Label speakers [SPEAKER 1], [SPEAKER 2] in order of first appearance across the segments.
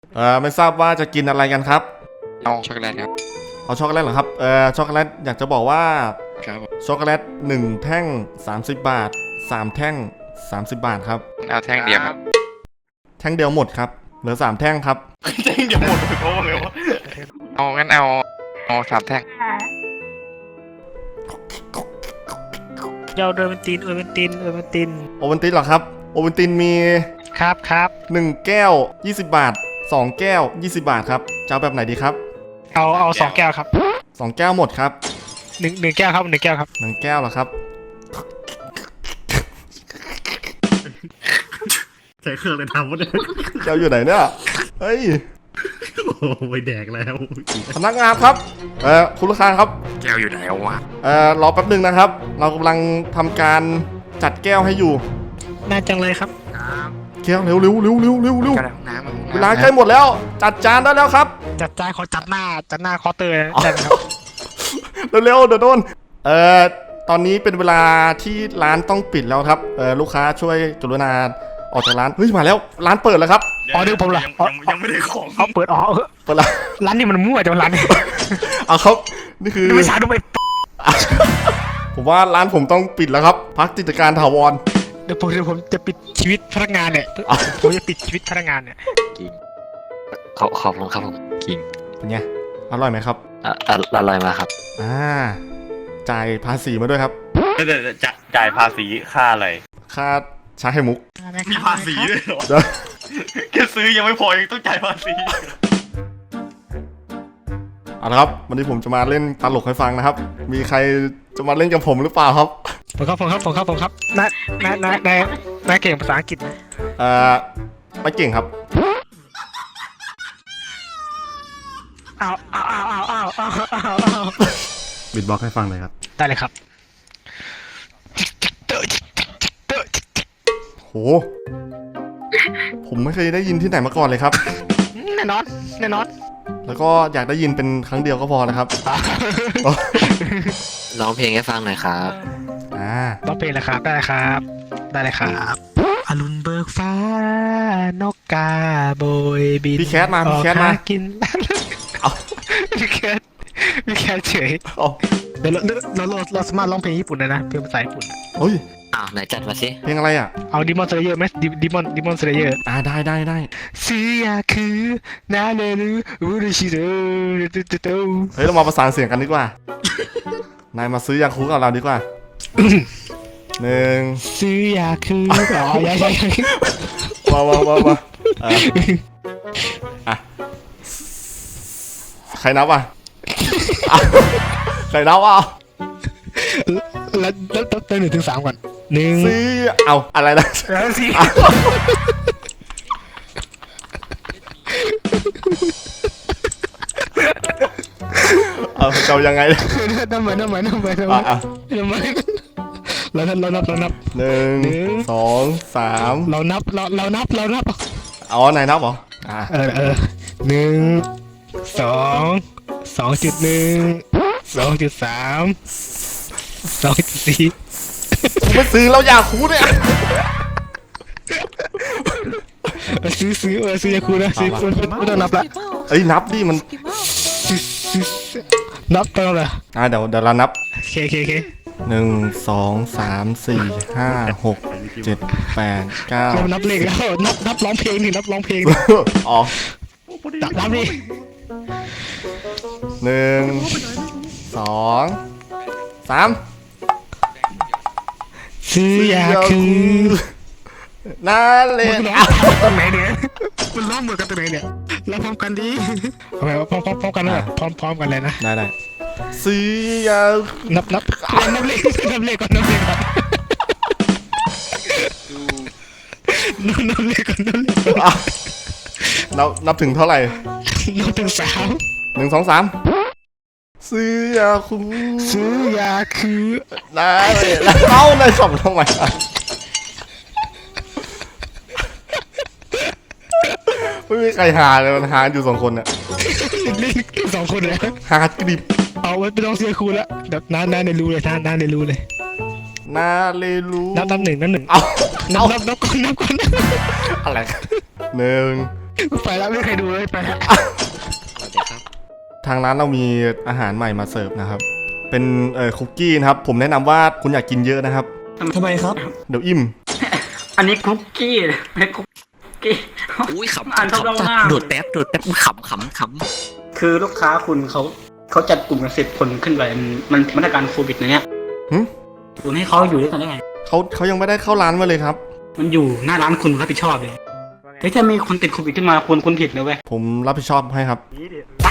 [SPEAKER 1] ไม่ทราบว่าจะกินอะไรกันครับ
[SPEAKER 2] เอาช็อกโกแลตครับ
[SPEAKER 1] เอาช็อกโกแลตเหรอครับช็อกโกแลตอยากจะบอกว่า
[SPEAKER 2] ครับ
[SPEAKER 1] ช็อกโกแลต1แท่ง30 บาท3แท่ง30 บาทครับ
[SPEAKER 2] เอาแท่งเดียวครับ
[SPEAKER 1] แท่งเดียวหมดครับเหลือ3แท่งครับ
[SPEAKER 3] แท่งเดียวหมดโอ้เลยวะ
[SPEAKER 2] เอางั้นเอา3แท่ง
[SPEAKER 4] เจ้าโอเวนติน
[SPEAKER 1] โอเวนตินเหรอครับโอเวนตินมี
[SPEAKER 4] ครับ
[SPEAKER 1] 1แก้ว20 บาท2แก้ว20 บาทครับจะเอาแบบไหนดีครับ
[SPEAKER 4] เอา2 แก้วครับ
[SPEAKER 1] 2แก้วหมดครับ
[SPEAKER 4] 1 แก้วครับ1 แก้วครับ
[SPEAKER 1] 1แก้วเหรอครับ
[SPEAKER 3] ใช้เครื่องเลยทำวะเนี่ย
[SPEAKER 1] แก้วอยู่ไหนเนี่ยเฮ้ย
[SPEAKER 3] โอ้ไปแดกแล้ว
[SPEAKER 1] พนักงานครับคุณลูกค้าครับ
[SPEAKER 2] แก้วอยู่ไหนวะ
[SPEAKER 1] รอแป๊บนึงนะครับเรากำลังทำการจัดแก้วให้อยู่
[SPEAKER 4] น่าจังเลยครับ
[SPEAKER 1] แก้วเร็ว
[SPEAKER 2] น้ำ
[SPEAKER 1] เวลาใกล้หมดแล้วจัดจานได้แล้วครับ
[SPEAKER 4] จัดจานขอจัดหน้าเคาน์เตอร์ได้ไหมครับ
[SPEAKER 1] เร็วเดี๋ยวโดนตอนนี้เป็นเวลาที่ร้านต้องปิดแล้วครับลูกค้าช่วยกรุณาออกจากร้านเฮ้ยมาแล้วร้านเปิดแล้วครับ
[SPEAKER 4] เดี๋ยวผมเหรอ
[SPEAKER 3] ยังไม่ได้ของ
[SPEAKER 4] เขาเปิด
[SPEAKER 1] เปิดแล้ว
[SPEAKER 4] ร้านนี้มันมั่วจังร้านนี้
[SPEAKER 1] เอาครับนี่คือ
[SPEAKER 4] ไม่ใช่ดูไป
[SPEAKER 1] ผมว่าร้านผมต้องปิดแล้วครับพักกิจการถาวร
[SPEAKER 4] เดี๋ยวผมจะปิดชีวิตพนักงานเนี่ยผมจะปิดชีวิตพนักงานเนี่ย
[SPEAKER 2] กินขอบคุณครับผมกิน
[SPEAKER 1] เป็นไงอร่อยไหมครับ
[SPEAKER 2] อร่อยมากครับ
[SPEAKER 1] จ่ายภาษีมาด้วยครับ
[SPEAKER 3] จ่ายภาษีค่าอะไร
[SPEAKER 1] ค่าชาไข่มุก
[SPEAKER 3] มีภาษีด้วยเหรอแค่ซื้อยังไม่พอยังต้องจ่ายภาษี
[SPEAKER 1] เอาละครับวันนี้ผมจะมาเล่นตลกให้ฟังนะครับมีใครจะมาเล่นกับผมหรือเปล่าครับ
[SPEAKER 4] ผมครับนายเก่งภาษาอังกฤษไหม
[SPEAKER 1] ไม่เก่งครับบิดบ็อกให้ฟังเลยครับ
[SPEAKER 4] ได้เลยครับ
[SPEAKER 1] โหผมไม่เคยได้ยินที่ไหนมาก่อนเลยครับ
[SPEAKER 4] แน่นอน
[SPEAKER 1] แล้วก็อยากได้ยินเป็นครั้งเดียวก็พอนะครับ
[SPEAKER 2] ร้องเพลงให้ฟังหน่อยครับ
[SPEAKER 4] ร้องเพลงเลยครับได้เลยครับอรุณเบิกฟ้านกกาโบยบิน
[SPEAKER 1] พี่แคทมา
[SPEAKER 4] กินพี่แคทเฉยเดี๋ยวเราสามารถร้องเพลงญี่ปุ่นได้นะเพลงภาษาญี่ปุ่น
[SPEAKER 1] เฮ้ย
[SPEAKER 2] ไหนจัดมาสิ
[SPEAKER 1] เพลงอะไรอ่ะ
[SPEAKER 4] เอาดิมอนสเลเยอร์ไหมดิมอนสเลเยอร์
[SPEAKER 1] ได้
[SPEAKER 4] ซียาคือนาเรรุอุรุชิโร่
[SPEAKER 1] เฮ้ยเรามาประสานเสียงกันดีกว่านายมาซื้อยาคูกับเราดีกว่า1
[SPEAKER 4] ซื้อยาคูยัง
[SPEAKER 1] มาใครนับอ่ะใครนับอ่ะ
[SPEAKER 4] แล้ว1 ถึง 3ก่อน
[SPEAKER 1] ซื้อเอาอะไรนะ
[SPEAKER 4] สิ
[SPEAKER 1] เอายังไง
[SPEAKER 4] น้ำเหมือนเรานับ1 2 3เรานับ
[SPEAKER 1] อ๋อไหนนับเหรอ
[SPEAKER 4] 1 2.1 2.3 2.4
[SPEAKER 1] ผมไม่ซื้อแล้วอยากคูเนี่ย
[SPEAKER 4] ซื้อยาคูนะซื้อไม่ต้องนับละ
[SPEAKER 1] นับดิมัน
[SPEAKER 4] นับตอนไหน
[SPEAKER 1] เดี๋ยวเรานับ
[SPEAKER 4] โอเค
[SPEAKER 1] 1 2 3 4 5 6 7 8 9
[SPEAKER 4] เรานับเลขแล้วนับร้องเพลงนี่นับร้องเพลง
[SPEAKER 1] อ๋อ
[SPEAKER 4] นับดิ
[SPEAKER 1] 1 2 3
[SPEAKER 4] ซื้อยาคู
[SPEAKER 1] น่าเล่น
[SPEAKER 4] ตรงไหนเนี่ยมันร้องเหมือนกันตรงไหนเนี่ยเราพร้อมกันดิพร้อมกันเลยพร้อมกันเลยนะ
[SPEAKER 1] ได้ซื้อยา
[SPEAKER 4] นับเลขก่อน
[SPEAKER 1] นับถึงเท่าไหร่
[SPEAKER 4] นับถึง
[SPEAKER 1] 3 1 2 3ซื้อยาคูได้เลยแล้วในสองทำไมไม่มีใครหาเลยมันหาอยู่2 คนเนี่ย
[SPEAKER 4] เล่น2 คนเลย
[SPEAKER 1] หากริบ
[SPEAKER 4] เอาไว้ไปลองเสียคูแล้วแบบน้าในรูเลยน้าในรูเลย
[SPEAKER 1] น้าเลรู
[SPEAKER 4] นับ1
[SPEAKER 1] เอา
[SPEAKER 4] นับก่อน
[SPEAKER 1] 1
[SPEAKER 4] ไปแล้วไม่มีใครดูเลยไปแล้ว
[SPEAKER 2] สวัสดีครับ
[SPEAKER 1] ทางร้านเรามีอาหารใหม่มาเสิร์ฟนะครับ เป็นคุกกี้นะครับ ผมแนะนำว่าคุณอยากกินเยอะนะครับ
[SPEAKER 5] ทำไมครับ
[SPEAKER 1] เดี๋ยวอิ่ม
[SPEAKER 5] อันนี้คุกกี้ไม่คุกกี้
[SPEAKER 2] อุ้ยขำ
[SPEAKER 5] อ่านเท่าๆหน้า
[SPEAKER 2] โดดแป๊บขำ
[SPEAKER 5] คือลูกค้าคุณเขาจัดกลุ่มกัน10 คนขึ้นไปมันมาตรการโควิดนะเนี่ย
[SPEAKER 1] หึ
[SPEAKER 5] คุณให้เขาอยู่ด้วยกันได้ไง
[SPEAKER 1] เขายังไม่ได้เข้าร้านมาเลยครับ
[SPEAKER 5] มันอยู่หน้าร้านคุณรับผิดชอบเลยเฮ้ยถ้ามีคนติดโควิดขึ้นมาคุณผิดนะเว้ย
[SPEAKER 1] ผมรับผิดชอบให้ครับ
[SPEAKER 5] ไป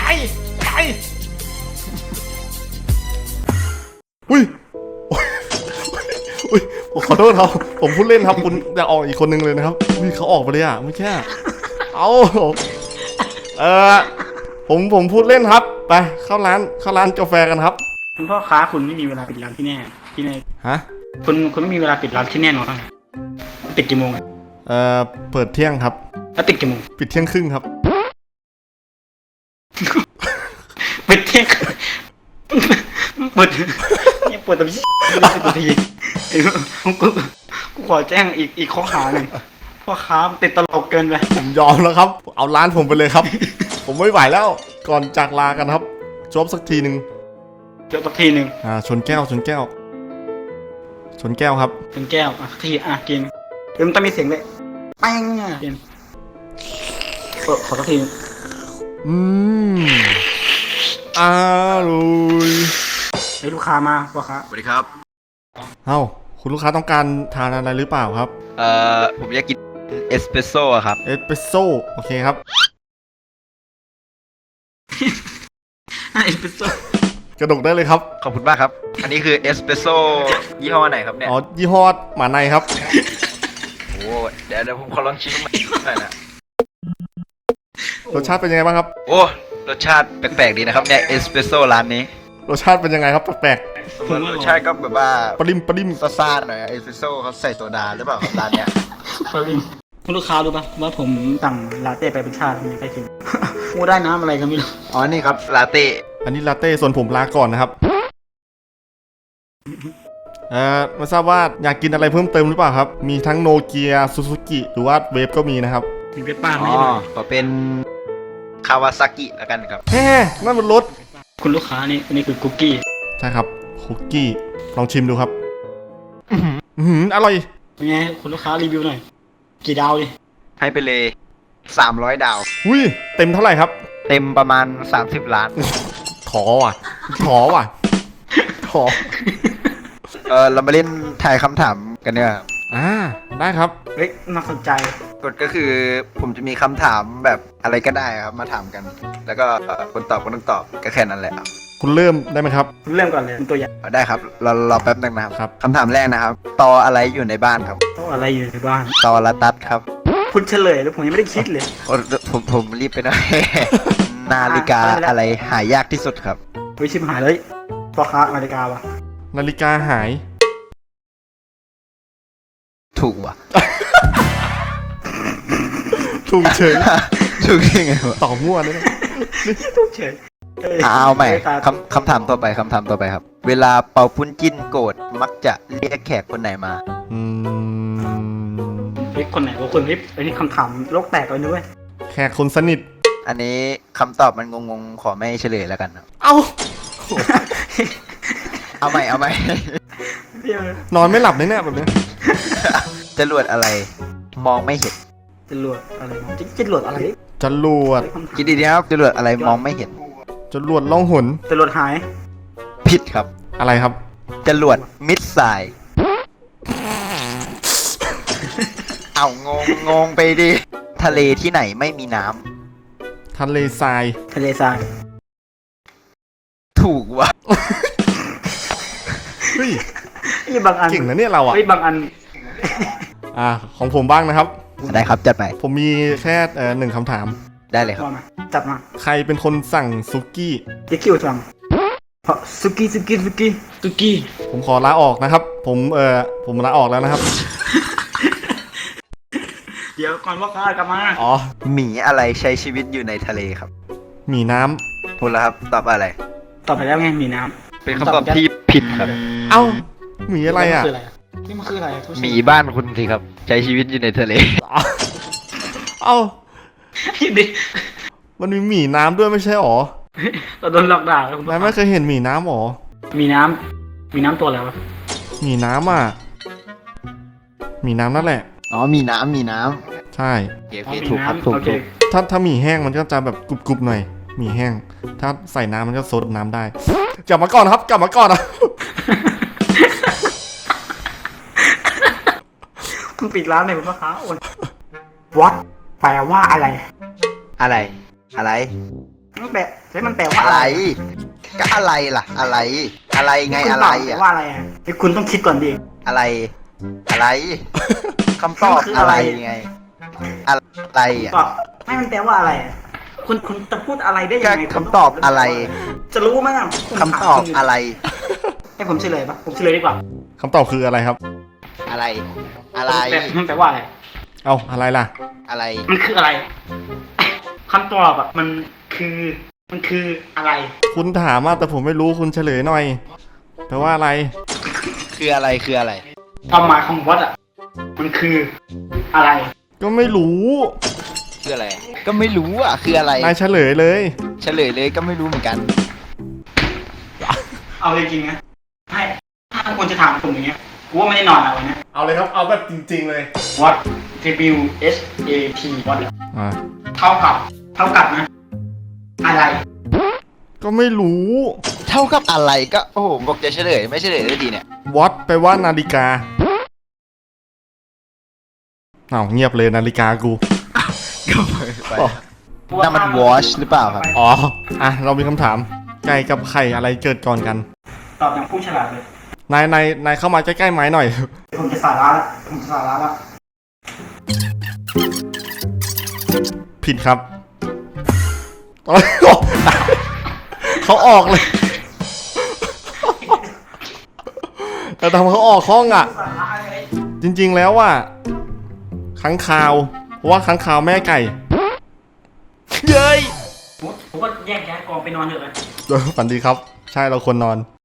[SPEAKER 1] อุ้ยโอ้ยอุ้ยผมขอโทษครับ ผมพูดเล่นครับ คุณจะออกอีกคนนึงเลยนะครับอุ้ยเขาออกไปเลยอ่ะไม่ใช่ เอาเออผมพูดเล่นครับ ไปเข้าร้านกาแฟกันครับ
[SPEAKER 5] คุณพ่อค้าคุณไม่มีเวลาปิดร้านที่แน่
[SPEAKER 1] ฮะ
[SPEAKER 5] คุณไม่มีเวลาปิดร้านที่แน่นอนครับปิดกี่โมงอะ
[SPEAKER 1] เปิดเที่ยงครับ
[SPEAKER 5] แล้วปิดกี่โมง
[SPEAKER 1] ปิดเที่ยงครึ่งครับ
[SPEAKER 5] ปิดเที่ยงเปิดเนี่ยเปิดตรงนี้ตัวทีกูขอแจ้งอีกข้อหาหนึ่งพ่อค้าติดตลกเกินไป
[SPEAKER 1] ผมยอมแล้วครับ เอาร้านผมไปเลยครับ ผมไม่ไหวแล้ว ก่อนจากลากันครับจบสักทีหนึ่ง
[SPEAKER 5] เดี๋ยวสักทีหนึ่ง
[SPEAKER 1] ชนแก้วชนแก้วครับ
[SPEAKER 5] เป็นแก้วทีกินเดี๋ยวมันต้องมีเสียงเลยแป้งกินขอสักที
[SPEAKER 1] อืมอร่อย
[SPEAKER 5] เฮ้ยลูกค้ามาพ่อค้า
[SPEAKER 3] สวัสดีครับ
[SPEAKER 1] เอ้าคุณลูกค้าต้องการทานอะไรหรือเปล่าครับ
[SPEAKER 3] ผมอยากกินเอสเปรสโซ่ครับ
[SPEAKER 1] เอสเปรสโซ่โอเคครับ
[SPEAKER 5] เอสเปรสโซ่
[SPEAKER 1] กระดกได้เลยครับ
[SPEAKER 3] ขอบคุณมากครับ อันนี้คือเอสเปรสโซ่ยี่ห้อไหนครับเนี่ย
[SPEAKER 1] อ๋อยี่ห้อหมาในครับ
[SPEAKER 3] โอ้เดี๋ยวผมขอลองชิมหน่อยนะ
[SPEAKER 1] รสชาติเป็นยังไงบ้างครับ
[SPEAKER 3] โอ้รสชาติแปลกๆดีนะครับเนี่ยเอสเปรสโซ่ร้านนี้
[SPEAKER 1] รสชาติเป็นยังไงครับแปลก
[SPEAKER 3] รสชาติก็แบบว่า
[SPEAKER 1] ๆปริม
[SPEAKER 3] ซ่าๆหน่อยเอสเปรสโซ่เขาใส่โซดาหรือเปล่าครับร้านเนี้ย
[SPEAKER 5] คุณลูกค้ารู้ป่ะว่าผมสั่งลาเต้ไปเป็นชาติมีใครกิน กูได้น้ำอะไรก็ไม่รู้
[SPEAKER 3] อ๋อนี่ครับลาเต้
[SPEAKER 1] อันนี้ลาเต้ส่วนผมลาก่อนนะครับไม่ทราบว่าอยากกินอะไรเพิ่มเติมหรือเปล่าครับ มีทั้งโนเกียซูซูกิหรือว่าเวฟก็มีนะครับ
[SPEAKER 5] มีเวทป้าไหม
[SPEAKER 3] อ๋อขอเป็นคาวาซากิแล้วกันครับ
[SPEAKER 1] แฮ่นั่นมันรถ
[SPEAKER 5] คุณลูกค้านี่อันนี้คือคุกกี้
[SPEAKER 1] ใช่ครับคุกกี้ลองชิมดูครับอร่อย
[SPEAKER 5] เป็นไงคุณลูกค้ารีวิวหน่อยกี่ดาวดิ
[SPEAKER 3] ให้ไปเลย300 ดาว
[SPEAKER 1] อุ้ยเต็มเท่าไหร่ครับ
[SPEAKER 3] เต็มประมาณ30 ล้าน
[SPEAKER 1] ถอว่ะ ถอ
[SPEAKER 3] เรามาเล่นทายคำถามกันเนี่ยครับ
[SPEAKER 1] ได้ครับ
[SPEAKER 5] เฮ้ยน่าสนใจ
[SPEAKER 3] กฎก็คือผมจะมีคำถามแบบอะไรก็ได้ครับมาถามกัน แล้วก็คนตอบก็ต้องตอบก็แค่นั้นแหละครับ
[SPEAKER 1] คุณเริ่มได้ไหมครับ
[SPEAKER 5] เริ่มก่อนเลยเป็นตัวอย่าง
[SPEAKER 3] ได้ครับรอแป๊บนึงนะครับ
[SPEAKER 1] ครับ
[SPEAKER 3] คำถามแรกนะครับตออะไรอยู่ในบ้านครับ
[SPEAKER 5] ต้องอะไรอยู่ในบ้าน
[SPEAKER 3] ตอละตัดครับ
[SPEAKER 5] คุณเฉลยแล้วผมยังไม่ได้คิดเลย
[SPEAKER 3] โอ้ผมรีบไปหน่อย นาฬิกาอะไรหายากที่สุดครับ
[SPEAKER 5] เฮ้ยชิมหายเลยพ่อค้านาฬิกาวะ
[SPEAKER 1] นาฬิกาหาย
[SPEAKER 3] ถูกว่ะ
[SPEAKER 1] ถูกเฉย
[SPEAKER 3] ถูกยังไงวะ
[SPEAKER 1] ต่อมั่วด้วยนะ
[SPEAKER 5] ทุกเฉย
[SPEAKER 3] เอาใหม่คำถามต่อไปครับ เวลาเป่าปุ้นจิ้นโกรธมักจะเรียกแขกคนไหนมา
[SPEAKER 1] อืม
[SPEAKER 5] เฮ้ยคนไหนวะคนนี้อันนี้คำถามโลกแตกเลยด้วย
[SPEAKER 1] แขกคนสนิท
[SPEAKER 3] อันนี้คำตอบมันงงๆขอไม่เฉลยแล้วกันครับ
[SPEAKER 1] เอ้า
[SPEAKER 3] เอาใหม่
[SPEAKER 5] เดี๋ยวน
[SPEAKER 1] อนไม่หลับเลยเนี่ยแบบนี้
[SPEAKER 3] จรวดอะไรมองไม่เห็น
[SPEAKER 5] จรวดอะไรนะจรวดอะไร
[SPEAKER 1] จรวด
[SPEAKER 3] คิดดีๆครับจรวดอะไรมองไม่เห็น
[SPEAKER 1] จรวดล่องหน
[SPEAKER 5] จรวดหาย
[SPEAKER 3] ผิดครับ
[SPEAKER 1] อะไรครับ
[SPEAKER 3] จรวดมิดไซล์เอางงไปดิทะเลที่ไหนไม่มีน้ำ
[SPEAKER 1] ทะเลทราย
[SPEAKER 5] ทะเลทราย
[SPEAKER 3] ถูกว่ะ
[SPEAKER 1] เฮ้ย
[SPEAKER 5] นี่บางอัน
[SPEAKER 1] เก่งนะเนี่ยเราอ่ะ
[SPEAKER 5] เฮ้ยบางอัน
[SPEAKER 1] ของผมบ้างนะครับ
[SPEAKER 3] ได้ครับจัดไป
[SPEAKER 1] ผมมีแค่หนึ่งคำถาม
[SPEAKER 3] ได้เลยครับ
[SPEAKER 5] ว่ามาจับมา
[SPEAKER 1] ใครเป็นคนสั่งซุกี้
[SPEAKER 5] เดี๋ยวคิวจังเพราะสุกี้
[SPEAKER 1] ผมขอลาออกนะครับ ผมลาออกแล้วนะครับ
[SPEAKER 5] เดี๋ยวก่อนว่าค้ากลับมา
[SPEAKER 1] อ๋อ
[SPEAKER 3] หมีอะไรใช้ชีวิตอยู่ในทะเลครับ
[SPEAKER 1] หมีน้ำ
[SPEAKER 3] พูดแล้วครับตอบอะไร
[SPEAKER 5] ตอบไปแล้วไงมีน้
[SPEAKER 3] เป็นคำตอบที่ผิดครับ
[SPEAKER 1] เอ้า หมี
[SPEAKER 5] ำ
[SPEAKER 1] อะไรอ่ะ
[SPEAKER 5] นี่มันคืออะไรทุก
[SPEAKER 3] หมีบ้านคุณสิครับ ใช้ชีวิตอยู่ในทะเล
[SPEAKER 1] เอ้า
[SPEAKER 5] คิดดิ
[SPEAKER 1] มันมีหมีน้ำด้วยไม่ใช่หรอ
[SPEAKER 5] เราโดนหลอกด่าแล้วคุณ
[SPEAKER 1] นายไม่เคยเห็นหมีน้ำหรอ
[SPEAKER 5] มีน้ำมีน้ำตัวอะไรวะ
[SPEAKER 1] หมีน้ำอ่ะหมีน้ำนั่นแหละ
[SPEAKER 3] อ๋อมีน้ำมีน้
[SPEAKER 1] ใช่
[SPEAKER 3] ำโอเค
[SPEAKER 5] อ๋อมี
[SPEAKER 3] ถูกครับ
[SPEAKER 5] น้ำ
[SPEAKER 3] ถูก
[SPEAKER 5] โอเค
[SPEAKER 3] ถูก
[SPEAKER 1] ถ้าหมีแห้งมันก็จะแบบกรุบๆหน่อยหมีแห้ง ถ้าใส่น้ำมันก็ซดน้ำได้กลับมาก่อนครับกลับมาก่อนอ่ะ
[SPEAKER 5] คุณปิดร้านเลยคุณพ่อค้าโอนวัดแปลว่าอะไร
[SPEAKER 3] อะไร อะไร
[SPEAKER 5] มันแปลใช่มันแปลว่า
[SPEAKER 3] อะ
[SPEAKER 5] อะไร ไร
[SPEAKER 3] ก็อะไรล่ะ อะไร อะไรไง
[SPEAKER 5] คุณ
[SPEAKER 3] อะไร
[SPEAKER 5] ตบแปล
[SPEAKER 3] อ่ะ
[SPEAKER 5] ว่าอะไรอ่ะเดี๋ยวคุณต้องคิดก่อนดิ
[SPEAKER 3] อะไร อะไรคำตอบ
[SPEAKER 5] มันคือ
[SPEAKER 3] อะ
[SPEAKER 5] อะไร
[SPEAKER 3] ไรไง อะไรอ่ะ
[SPEAKER 5] ตอบไม่มันแปลว่าอะไรอะคุณจะพูดอะไรได้ยังไง
[SPEAKER 3] ก็คำตอบอะไร
[SPEAKER 5] จะรู้ไหมอ่ะผม
[SPEAKER 3] คำตอบอะไร
[SPEAKER 5] ให้ผมเฉลยปะผมเฉลยดีกว่า
[SPEAKER 1] คำตอบคืออะไรครับ
[SPEAKER 3] อะไร อะไร
[SPEAKER 5] มันแปลว่าอะไร
[SPEAKER 1] เอาอะไรล่ะ
[SPEAKER 3] อะไร
[SPEAKER 5] มันคืออะไรคำตอบอ่ะมันคืออะไร
[SPEAKER 1] คุณถามมาแต่ผมไม่รู้คุณเฉลยหน่อยแปลว่าอะไร
[SPEAKER 3] คืออะไร คืออะไร
[SPEAKER 5] ความหมายของวัดอ่ะมันคืออะไร
[SPEAKER 1] ก็ไม่รู้
[SPEAKER 3] คืออะไร ก็ไม่รู้อ่ะ คืออะไร
[SPEAKER 1] นายเฉลยเลย
[SPEAKER 3] เฉลยเลยก็ไม่รู้เหมือนกัน
[SPEAKER 5] เอาจริงๆนะให้ถ้าคุณจะถามผมอย่างเงี้ยกูว่าไม่ได้นอนอะวันเนี้ย
[SPEAKER 1] เอาเลยครับเอาแบบจริง ๆเลย
[SPEAKER 5] วัด W S A T วัดอะ
[SPEAKER 1] อ่า
[SPEAKER 5] เท่ากับนะ อะไร
[SPEAKER 1] ก็ไม่รู้
[SPEAKER 3] เท่ากับอะไรก็ โอ้โหบอกจะเฉลย ไม่เฉลยได้ทีเนี่ย
[SPEAKER 1] วัดแปลว่านาฬิกาเอาเงียบเลยนาฬิกากู อ๋อ
[SPEAKER 3] นั่นมัน watch หรือเปล่าครับ
[SPEAKER 1] อ๋ออ่ะเรามีคำถามไก่กับไข่อะไรเกิดก่อนกัน
[SPEAKER 5] ตอบอย่างผู้ฉลาดเลย
[SPEAKER 1] นายเข้ามาใกล้ๆไม้หน่อย
[SPEAKER 5] ผมจะสาระละผมจะสาระละ
[SPEAKER 1] ผิดครับ เขาออกเลย แต่ทำเขาออกห้องอ่ะ
[SPEAKER 5] สาระอะไร
[SPEAKER 1] จริงๆแล้วว่าค้างคาวเพราะว่าค้างคาวแม่ไก่ เย้ย
[SPEAKER 5] ผมก็แยกย้ายกองไปนอนเถอะ
[SPEAKER 1] ฝันดีครับ ใช่เราควรนอน